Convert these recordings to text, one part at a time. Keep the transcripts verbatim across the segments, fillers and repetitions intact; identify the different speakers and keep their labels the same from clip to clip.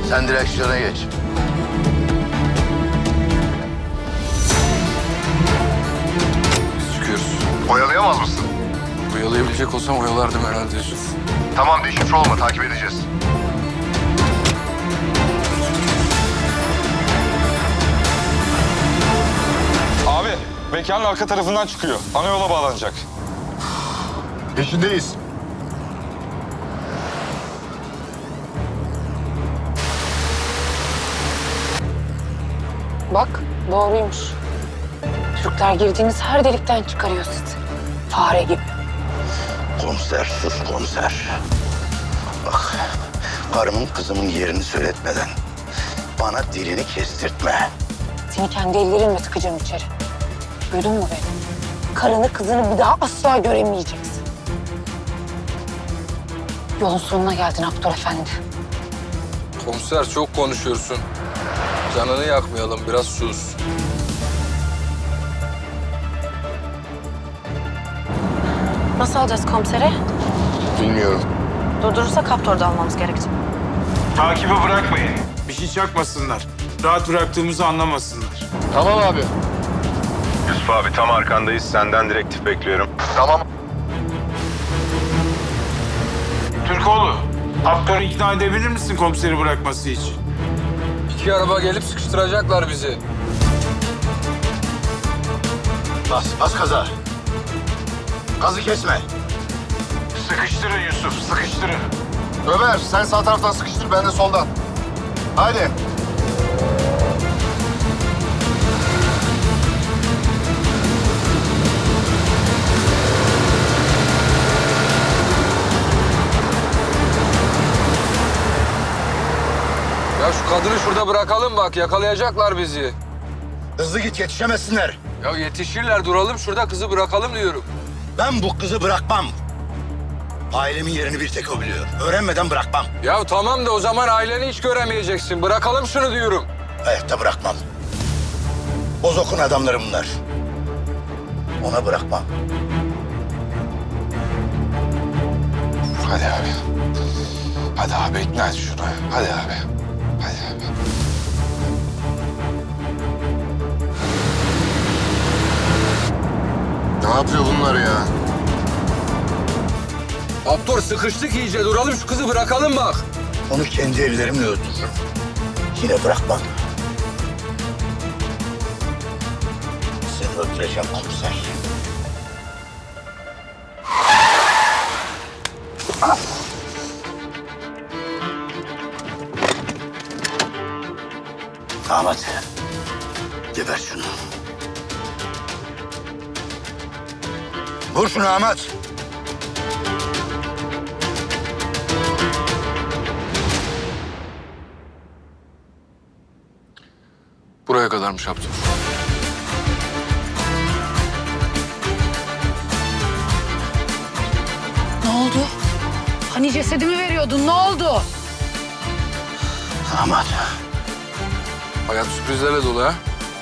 Speaker 1: Sen direksiyona geç.
Speaker 2: Çıkıyoruz.
Speaker 3: Oyalayamaz mısın?
Speaker 2: Oyalayabilecek olsam oyalardım herhalde Yusuf.
Speaker 3: Tamam, deşifre olma, takip edeceğiz.
Speaker 4: Abi, mekanın arka tarafından çıkıyor. Ana yola bağlanacak.
Speaker 3: Peşindeyiz.
Speaker 5: Bak doğruymuş. Türkler girdiğiniz her delikten çıkarıyor sizi. Fare gibi.
Speaker 1: Komiser, sus komiser. Bak, karımın kızımın yerini söyletmeden bana dilini kestirtme.
Speaker 5: Seni kendi ellerimle tıkacağım içeri. Duydun mu beni? Karını kızını bir daha asla göremeyeceksin. Yolun sonuna geldin Abdur Efendi.
Speaker 2: Komiser çok konuşuyorsun. Canını yakmayalım, biraz sus.
Speaker 6: Nasıl alacağız komiseri?
Speaker 3: Bilmiyorum.
Speaker 6: Durdurursa Kaptor'da almamız gerekecek.
Speaker 7: Takibi bırakmayın. Bir şey çakmasınlar. Rahat bıraktığımızı anlamasınlar.
Speaker 3: Tamam abi.
Speaker 8: Yusuf abi tam arkandayız. Senden direktif bekliyorum.
Speaker 3: Tamam.
Speaker 7: Türkoğlu, Abdur'u ikna edebilir misin komiseri bırakması için?
Speaker 2: İki araba gelip sıkıştıracaklar bizi.
Speaker 1: Bas, bas gaza. Gazı kesme.
Speaker 7: Sıkıştırın Yusuf, sıkıştırın.
Speaker 3: Ömer, sen sağ taraftan sıkıştır, ben de soldan. Haydi.
Speaker 2: Ya şu kadını şurada bırakalım bak, yakalayacaklar bizi.
Speaker 1: Hızlı git, yetişemezsinler.
Speaker 2: Ya yetişirler, duralım şurada, kızı bırakalım diyorum.
Speaker 1: Ben bu kızı bırakmam. Ailemin yerini bir tek o biliyor. Öğrenmeden bırakmam.
Speaker 2: Ya tamam da o zaman aileni hiç göremeyeceksin. Bırakalım şunu diyorum.
Speaker 1: Hayatta bırakmam. Bozok'un adamları bunlar. Ona bırakmam.
Speaker 2: Hadi abi. Hadi abi ikna et şunu. Hadi abi. Hadi abi.
Speaker 3: Ne yapıyor bunlar ya?
Speaker 2: Abdur sıkıştık iyice. Duralım şu kızı bırakalım bak.
Speaker 1: Onu kendi ellerimle öldürürüm. Yine bırakmam. Seni öldüreceğim komiser. Ahmet, geber şunu. Vur şunu Ahmet.
Speaker 2: Buraya kadarmış Abdur.
Speaker 5: Ne oldu? Hani cesedimi veriyordun, ne oldu?
Speaker 1: Ahmet.
Speaker 2: Hayat sürprizlerle dolu ha.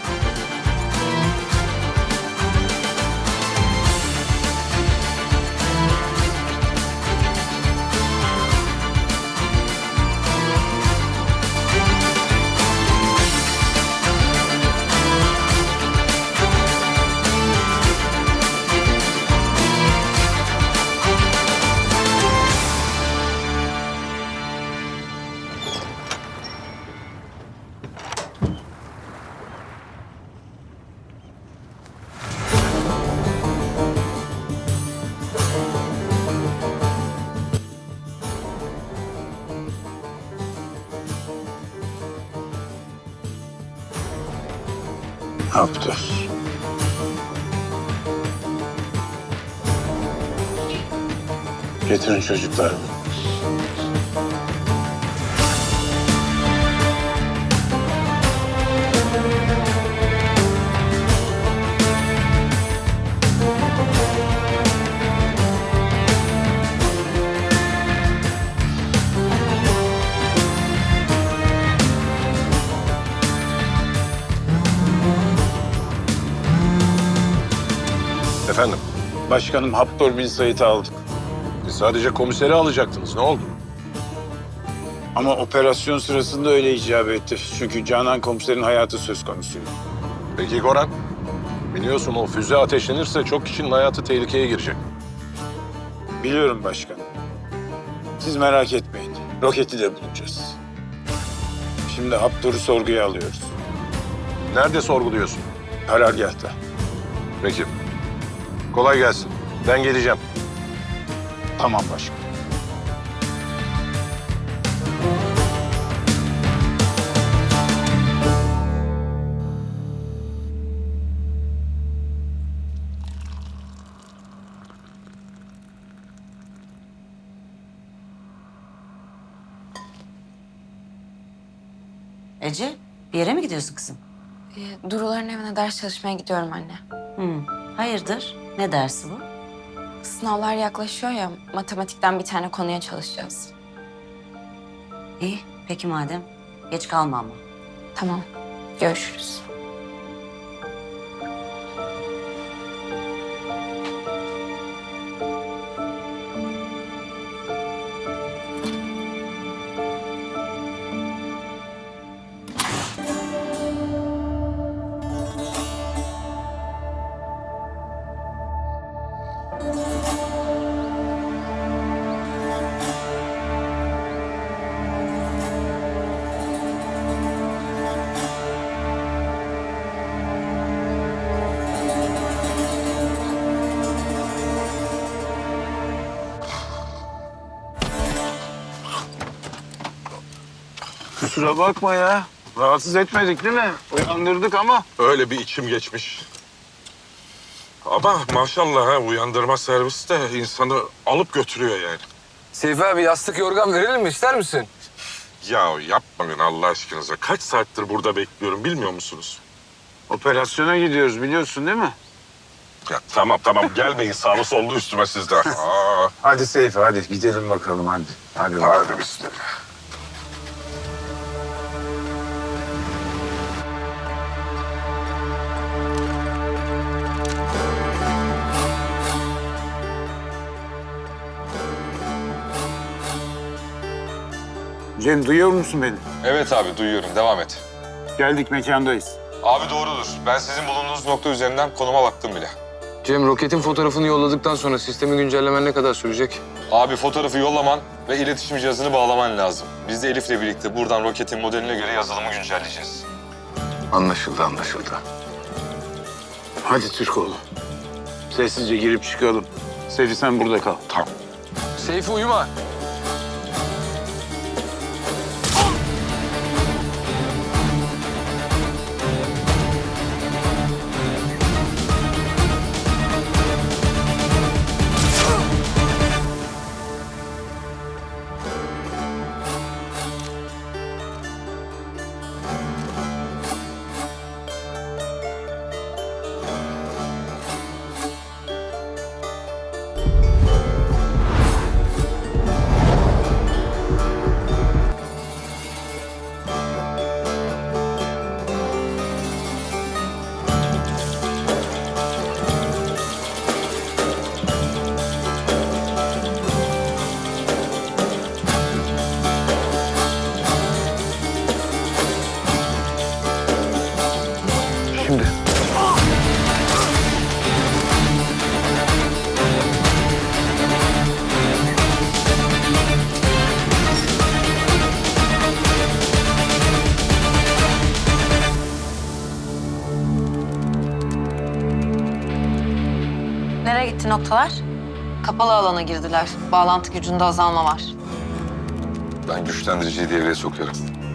Speaker 1: Abdur. Getirin çocuklarımı.
Speaker 8: Efendim?
Speaker 7: Başkanım Abdur bin Said'i aldık.
Speaker 8: Siz sadece komiseri alacaktınız. Ne oldu?
Speaker 7: Ama operasyon sırasında öyle icap etti. Çünkü Canan komiserin hayatı söz konusu.
Speaker 9: Peki Goran? Biliyorsun o füze ateşlenirse çok kişinin hayatı tehlikeye girecek.
Speaker 7: Biliyorum başkanım. Siz merak etmeyin. Roketi de bulacağız. Şimdi Haptor'u sorguya alıyoruz.
Speaker 9: Nerede sorguluyorsun?
Speaker 7: Karargâhta.
Speaker 9: Peki. Kolay gelsin. Ben geleceğim.
Speaker 7: Tamam başkanım.
Speaker 10: Ece, bir yere mi gidiyorsun kızım?
Speaker 6: Ee, Duruların evine ders çalışmaya gidiyorum anne.
Speaker 10: Hı. Hayırdır? Ne dersi bu?
Speaker 6: Sınavlar yaklaşıyor ya, matematikten bir tane konuya çalışacağız.
Speaker 10: İyi, peki madem. Geç kalma ama.
Speaker 6: Tamam, görüşürüz.
Speaker 7: Kusura bakma ya. Rahatsız etmedik değil mi? Uyandırdık ama.
Speaker 9: Öyle bir içim geçmiş. Ama maşallah ha uyandırma servisi de insanı alıp götürüyor yani.
Speaker 11: Seyfi abi yastık yorgan verelim mi? İster misin?
Speaker 9: Ya yapmayın Allah aşkınıza. Kaç saattir burada bekliyorum bilmiyor musunuz?
Speaker 7: Operasyona gidiyoruz biliyorsun değil mi?
Speaker 9: Ya tamam tamam gelmeyin sağlı sollu üstüme siz de. Aa,
Speaker 7: Hadi Seyfi hadi gidelim bakalım hadi. Hadi.
Speaker 9: hadi bismillah.
Speaker 7: Cem duyuyor musun beni?
Speaker 4: Evet abi duyuyorum. Devam et.
Speaker 7: Geldik mekandayız.
Speaker 4: Abi doğrudur. Ben sizin bulunduğunuz nokta üzerinden konuma baktım bile.
Speaker 11: Cem roketin fotoğrafını yolladıktan sonra sistemi güncellemen ne kadar sürecek?
Speaker 4: Abi fotoğrafı yollaman ve iletişim cihazını bağlaman lazım. Biz de Elif'le birlikte buradan roketin modeline göre yazılımı güncelleyeceğiz.
Speaker 11: Anlaşıldı anlaşıldı.
Speaker 7: Hadi Türkoğlu. Sessizce girip çıkalım. Seyfi sen burada kal.
Speaker 9: Tamam.
Speaker 11: Seyfi uyuma. Şimdi.
Speaker 6: Nereye gitti noktalar? Kapalı alana girdiler. Bağlantı gücünde azalma var.
Speaker 4: Ben güçlendiriciyi devreye sokuyorum.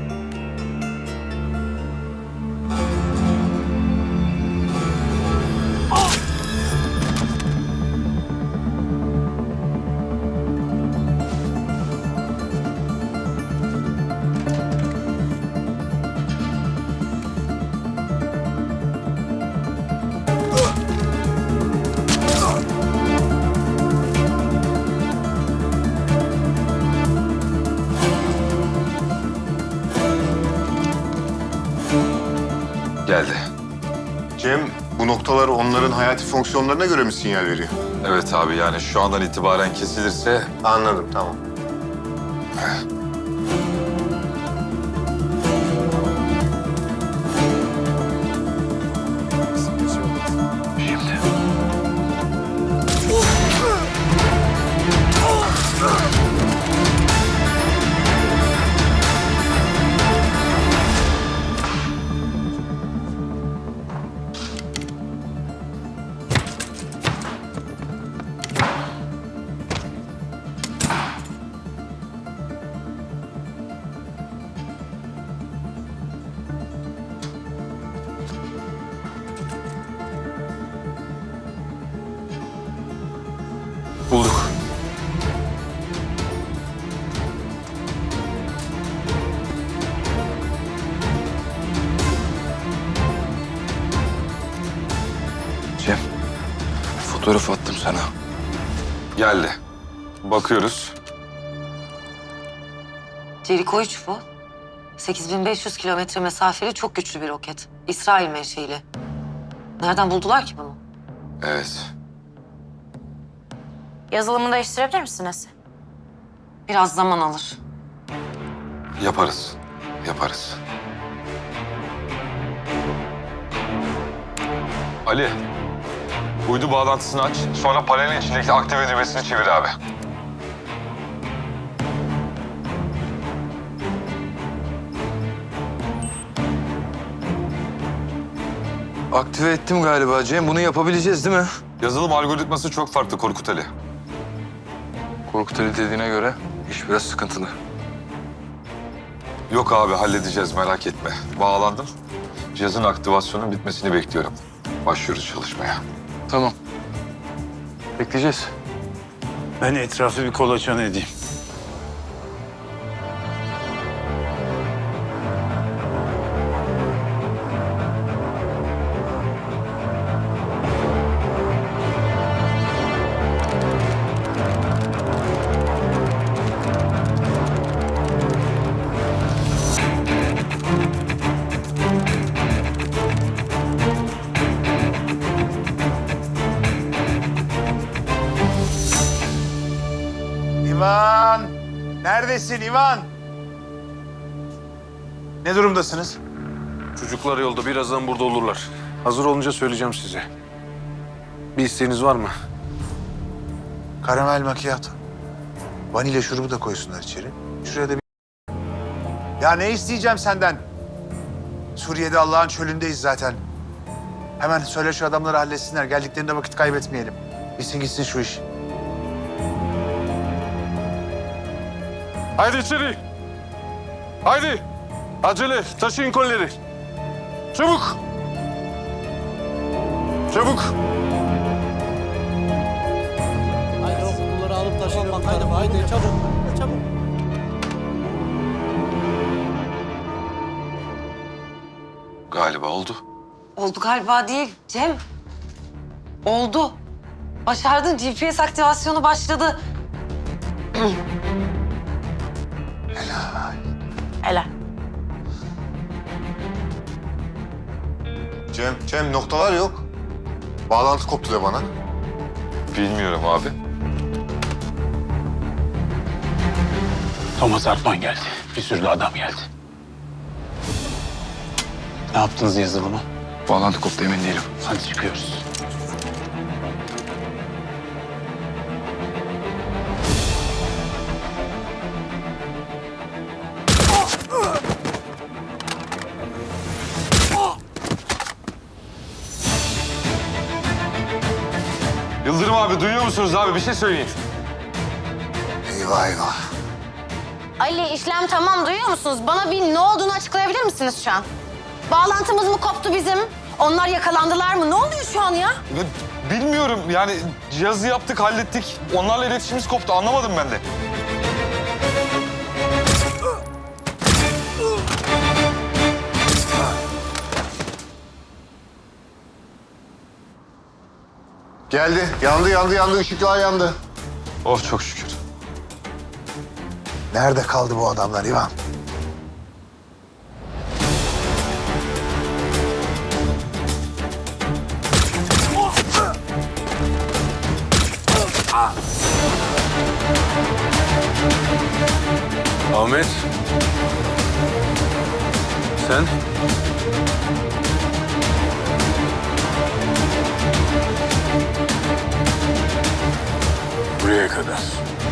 Speaker 4: Geldi.
Speaker 3: Cem, bu noktalar onların hayati fonksiyonlarına göre mi sinyal veriyor?
Speaker 4: Evet abi yani şu andan itibaren kesilirse
Speaker 3: Anladım, tamam.
Speaker 11: Bulduk.
Speaker 2: Cem, fotoğraf attım sana.
Speaker 4: Geldi. Bakıyoruz.
Speaker 6: Jericho üç bu. sekiz bin beş yüz kilometre mesafeli çok güçlü bir roket. İsrail menşeili. Nereden buldular ki bunu?
Speaker 2: Evet.
Speaker 5: Yazılımını değiştirebilir misiniz?
Speaker 6: Biraz zaman alır.
Speaker 2: Yaparız. Yaparız.
Speaker 4: Ali, uydu bağlantısını aç. Sonra panelin içindeki aktive düğmesini çevir abi.
Speaker 11: Aktive ettim galiba Cem. Bunu yapabileceğiz değil mi?
Speaker 4: Yazılım algoritması çok farklı Korkut Ali.
Speaker 11: Korkut Ali dediğine göre iş biraz sıkıntılı.
Speaker 4: Yok abi, halledeceğiz, merak etme. Bağlandım. Cihazın aktivasyonunun bitmesini bekliyorum. Başlıyoruz çalışmaya.
Speaker 11: Tamam. Bekleyeceğiz.
Speaker 7: Ben etrafı bir kolaçan edeyim.
Speaker 1: İvan! Neredesin İvan? Ne durumdasınız?
Speaker 7: Çocuklar yolda, birazdan burada olurlar. Hazır olunca söyleyeceğim size. Bir isteğiniz var mı?
Speaker 1: Karamel macchiato. Vanilya şurubu da koysunlar içeri. Şuraya da bir... Ya ne isteyeceğim senden? Suriye'de Allah'ın çölündeyiz zaten. Hemen söyle şu adamları halletsinler. Geldiklerinde vakit kaybetmeyelim. Bitsin gitsin şu iş.
Speaker 9: Haydi içeri. Haydi. Acele. Taşıyın kolileri. Çabuk. Çabuk.
Speaker 12: Haydi okulları alıp taşıyalım. Haydi, haydi çabuk. Çabuk.
Speaker 2: Galiba oldu.
Speaker 6: Oldu galiba değil Cem. Oldu. Başardın. G P S aktivasyonu başladı.
Speaker 5: Helal.
Speaker 3: Cem, Cem noktalar yok. Bağlantı koptu de bana.
Speaker 4: Bilmiyorum abi.
Speaker 7: Thomas Hartman geldi. Bir sürü de adam geldi. Ne yaptınız yazılımı?
Speaker 11: Bağlantı koptu, emin değilim.
Speaker 7: Hadi çıkıyoruz.
Speaker 4: Yıldırım abi, duyuyor musunuz abi? Bir şey söyleyin.
Speaker 1: Eyvah eyvah.
Speaker 5: Ali işlem tamam, duyuyor musunuz? Bana bir ne olduğunu açıklayabilir misiniz şu an? Bağlantımız mı koptu bizim? Onlar yakalandılar mı? Ne oluyor şu an ya?
Speaker 4: Bilmiyorum, yani cihazı yaptık, hallettik. Onlarla iletişimimiz koptu, anlamadım ben de.
Speaker 3: Geldi. Yandı, yandı, yandı. Işıklar yandı.
Speaker 4: Oh çok şükür.
Speaker 1: Nerede kaldı bu adamlar İvan?
Speaker 7: Ahmet. Sen? Buraya kadar.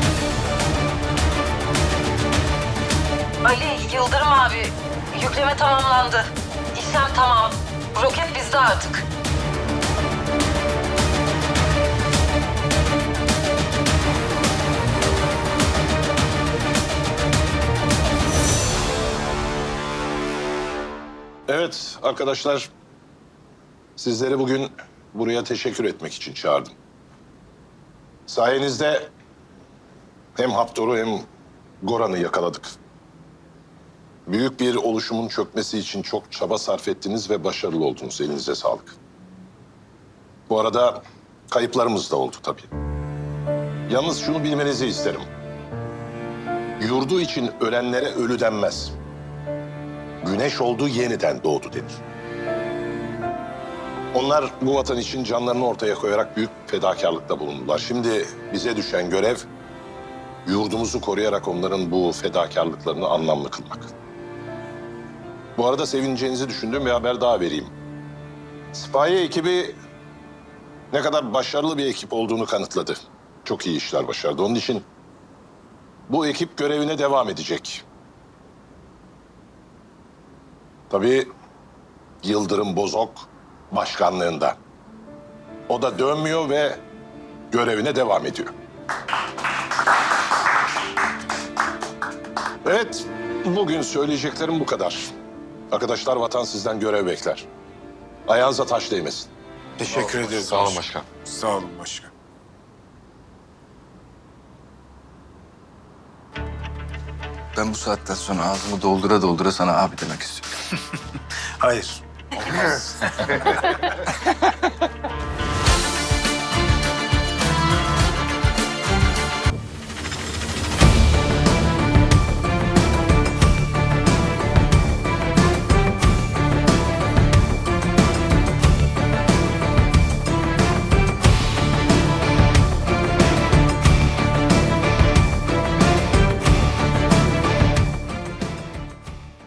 Speaker 6: Ali, Yıldırım abi. Yükleme tamamlandı. İşlem tamam. Roket bizde artık.
Speaker 9: Evet arkadaşlar. Sizleri bugün buraya teşekkür etmek için çağırdım.
Speaker 13: Sayenizde hem Haptor'u hem Goran'ı yakaladık. Büyük bir oluşumun çökmesi için çok çaba sarf ettiniz ve başarılı oldunuz. Elinize sağlık. Bu arada kayıplarımız da oldu tabii. Yalnız şunu bilmenizi isterim. Yurdu için ölenlere ölü denmez. Güneş oldu, yeniden doğdu denir. Onlar bu vatan için canlarını ortaya koyarak büyük fedakarlıkta bulundular. Şimdi bize düşen görev, yurdumuzu koruyarak onların bu fedakarlıklarını anlamlı kılmak. Bu arada sevineceğinizi düşündüğüm bir haber daha vereyim. Sipahi ekibi ne kadar başarılı bir ekip olduğunu kanıtladı. Çok iyi işler başardı. Onun için bu ekip görevine devam edecek. Tabii Yıldırım Bozok başkanlığında. O da dönmüyor ve görevine devam ediyor. Evet, bugün söyleyeceklerim bu kadar. Arkadaşlar, vatan sizden görev bekler. Ayağınıza taş değmesin.
Speaker 1: Teşekkür ederiz.
Speaker 2: Sağ olun başkan.
Speaker 1: Sağ olun başkan.
Speaker 2: Ben bu saatten sonra ağzımı doldura doldura sana abi demek istiyorum.
Speaker 1: Hayır.